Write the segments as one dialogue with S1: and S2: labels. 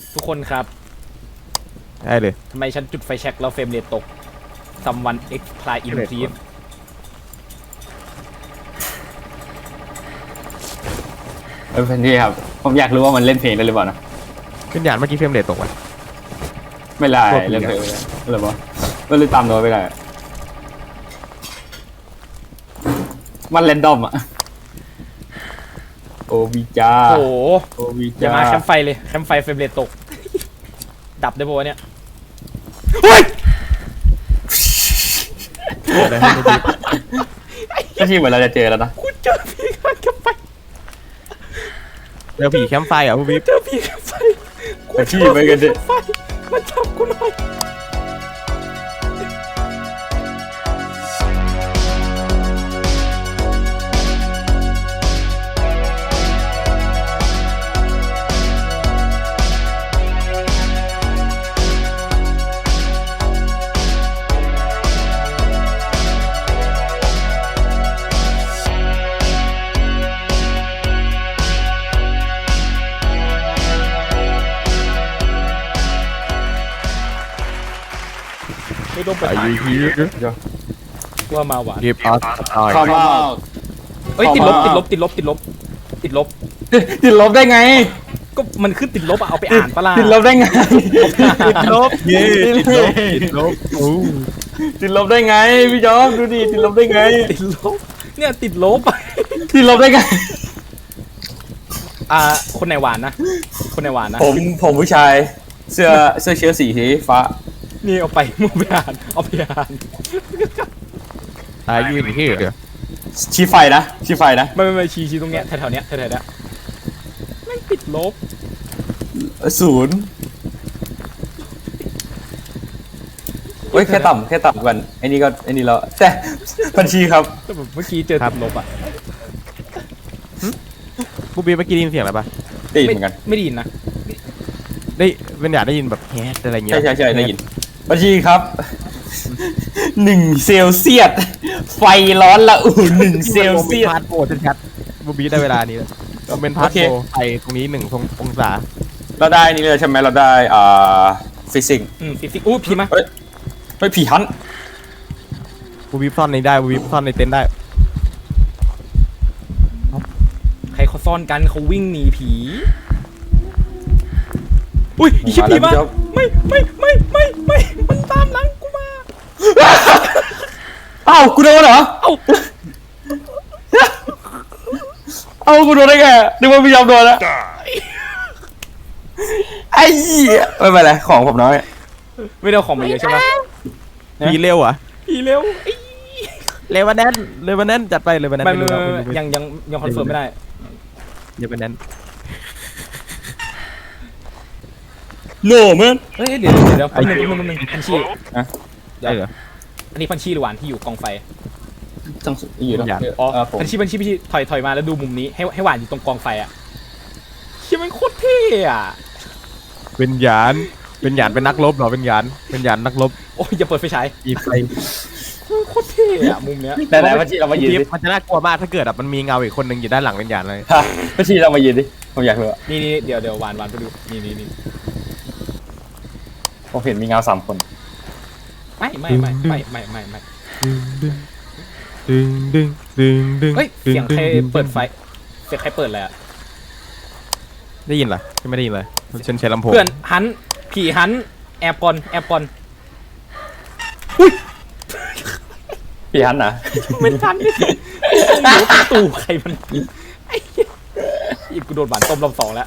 S1: ทุกคนครับ
S2: ได้เลย
S1: ทำไมฉันจุดไฟแช็กแล้วเฟรมเรทตก someone explain in please
S3: เพนที่ครับผมอยากรู้ว่ามันเล่นเพลงได้หรือเปล่านะ
S2: ขึ้นยานเมื่อกี้เฟรมเรทตกวะ
S3: ไม่ได้เล่นเพลงหรือเปล่าก็เลยตามโน้ตไม่ได้มันเรนดอมอะโอวิจา
S1: โอ้โห
S3: โอวิ
S1: อย่า
S3: จา
S1: มาแคมป์ไฟเลยแคมป์ไฟเฟรมเรทตก ดับได้ปะวะเนี่ยเฮ้ย
S2: อะไรให้ไม่ดี
S3: ก็ที่เหมือนเราจะเจอแล้วนะ
S1: กูเจอผีข้างแคมป์ไฟ
S2: เจอผีแคมป์ไฟเหรอ่ะผู้บิ๊บ
S1: เจอผีแคมป์ไฟกู
S3: แต่
S1: เจ
S3: ที่
S1: อ
S3: ไป
S1: ผี
S3: กัน
S1: แค
S3: ดิ
S1: มป์ไฟมาจับกูหน่อยไม่ต้องไป
S2: อา
S1: หา
S2: ยุฮี
S1: ว่ามาหวาน
S2: รีบออสตาย
S3: เข้ามา
S1: เอ้ยติดลบติดลบติดลบติดลบติดลบ
S3: ติดลบได้ไง
S1: ก็มันขึ้นติดลบอะเอาไปอ่านปะล่ะ
S3: ติดลบได้ไง
S2: ติดลบเย้ติดลบติดลบโอ้
S3: ติดลบได้ไงพี่จอมดูดิติดลบได้ไง
S1: ติดลบเนี่ยติดลบ
S3: ติดลบได้ไง
S1: คนไหนหวานนะคนไหนหวานนะ
S3: ผมผู้ชายเสื้อเชิ้ตสีฟ้า
S1: นี่เอาไปมึงไปอ่านเอาไปอ่าน
S2: อายุฮีเหรอ
S3: ชี้ไฟนะชี้ไฟนะ
S1: ไม่ชี้ตรงเนี้ยแถวๆเนี้ยแถวๆเนี้ยไม่ติดลบ
S3: 0เฮ้ยแค่ต่ำกันไอ้นี่เราแต่บัญชีครับ
S1: แต่แบบเมื่อกี้เจอติดลบอ่ะ
S2: ผู้บิ๊บเมื่อกี้ได้ยินเสียงอะไรปะ
S3: ได้ยินเหมือนกัน
S1: ไม่ได้ยินนะ
S2: ได้เป็นอยากได้ยินแบบแฮดอะไรเงี้ย
S3: ใช่ได้ยินบัญชีครับ1 เซลเซียสไฟร้อนละอุ่น1 เซลเซียส
S2: พาร์ทโปรชัดๆผู้บิ๊บได้เวลานี้แล้วก็เป็นพาร์ท
S3: โอเค
S2: โปรไปตรงนี้1 องศา
S3: เราได้นี่เลยใช่ไหมเราได้ฟิสิกส์
S1: ฟิสิกอู้พีมา
S3: เฮ้ยผีฮัน
S2: ผู้บิ๊บซ่อนในได้ผู้บิ๊บซ่อนในเต็นท์ได้
S1: ใครเขาซ่อนกันเขาวิ่งหนีผีอุ้ยอีชิบผีมาไม่มันตามหลังกูมา
S3: อ้าวกูโดนเหรอ
S1: เอ้า
S3: เอากูโดนได้ไงนึกว่าพี่ยอมโดนแล้วไอ้เหี้ยไม่เป็นไรของผมน้อย
S1: ไม่ได้เอาของมาเยอะใช่ไหม
S2: ผีเร็วอ่ะ
S1: ผีเร็ว
S2: เลวันแนนจัดไปเลวันแนน
S1: ไม่
S2: ไม่รู้แล้ว
S1: ยังคอนเฟิร์มไม่ได้
S2: เลวันแนน
S3: โน่มัน
S1: เฮ้ยเดี๋ยวแป๊บนึงพันชี
S2: ได้เหรอ
S1: อันนี้พันชีหรือหวานที่อยู่กองไฟ
S3: จังอยู่แล้ว
S1: อ๋อ
S3: ผม
S1: พันชีถอยมาแล้วดูมุมนี้ให้หวานอยู่ตรงกองไฟอ่ะเชี่ยมันโคตรเท่อะ
S2: เป็นหยานเป็นนักรบเหรอเป็นหยานนักรบ
S1: โอ้ยอย่าเปิดไฟฉาย
S2: อีไฟ
S1: โคตรเท่อะมุมเนี้ย
S3: ไหนๆพี่เรามายืนดิ
S2: มันจะน่ากลัวมากถ้าเกิดแบบมันมีเงาอีกคนหนึ่งอยู่ด้านหลังเป็นหยานเลย
S3: ฮะพี่เรามายืนดิผมอยากรู้อะ
S1: นี่เดี๋ยวหวานไปดูนี่
S3: ผมเห็นมีเงา3 คน
S1: ไม่
S2: ดึง
S1: เฮ้ยเสียงใครเปิดไฟเสียงใครเปิดเลยอะ
S2: ได้ยินเหรอไม่ได้ยินเลยฉันใช้ลำโพง
S1: เพื่อนหันผีหันแอบก่อน
S3: พี่ฮันนะ
S1: ไม่ทันไม่รู้ประตูใครมันไอ้เหี้ยอีกกูโดนหวานต้มรอบ 2แล้ว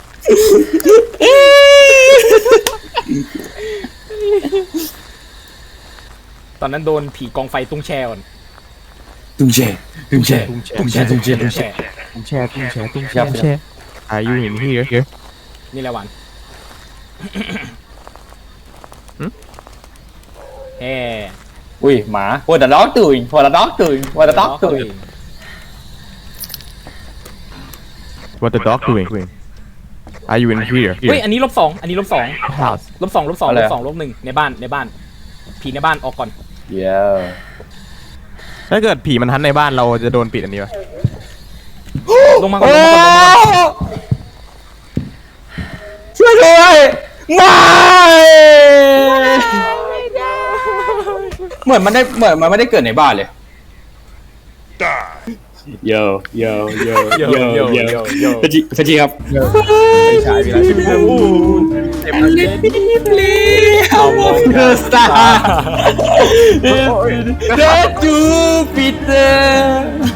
S1: ตอนนั้นโดนผีกองไฟตุ้งแช่ก่อน
S3: ตุ้งแช่
S2: อายุเห็นที่เยอะ
S1: นี่แหละหวานเฮ้
S3: อุ้ยหมาWhat the dog doing What the dog doing What the dog doing
S2: What the dog doing Are you in here
S1: เฮ้ยอันนี้ลบ 2อันนี้ลบ 2
S2: House
S1: ลบ 2ลบ 2ลบ 2ลบ 1ในบ้านผีในบ้านออกก่อน
S3: Yeah
S2: ถ้าเกิดผีมันทันในบ้านเราจะโดนปิดอันนี้ปะ
S1: ลงมาก่อน
S3: ช่วยด้วยไม่เหมือนมันไม่ได้เกิดในบ้านเลยโยโยโยโยโยโยพจีครับ
S1: ไม่ใช่พี่ละชื่อเรื่องพูดเต็มเลยเอาโมง
S3: เดอะสตาร์เดอะจูปิเตอร์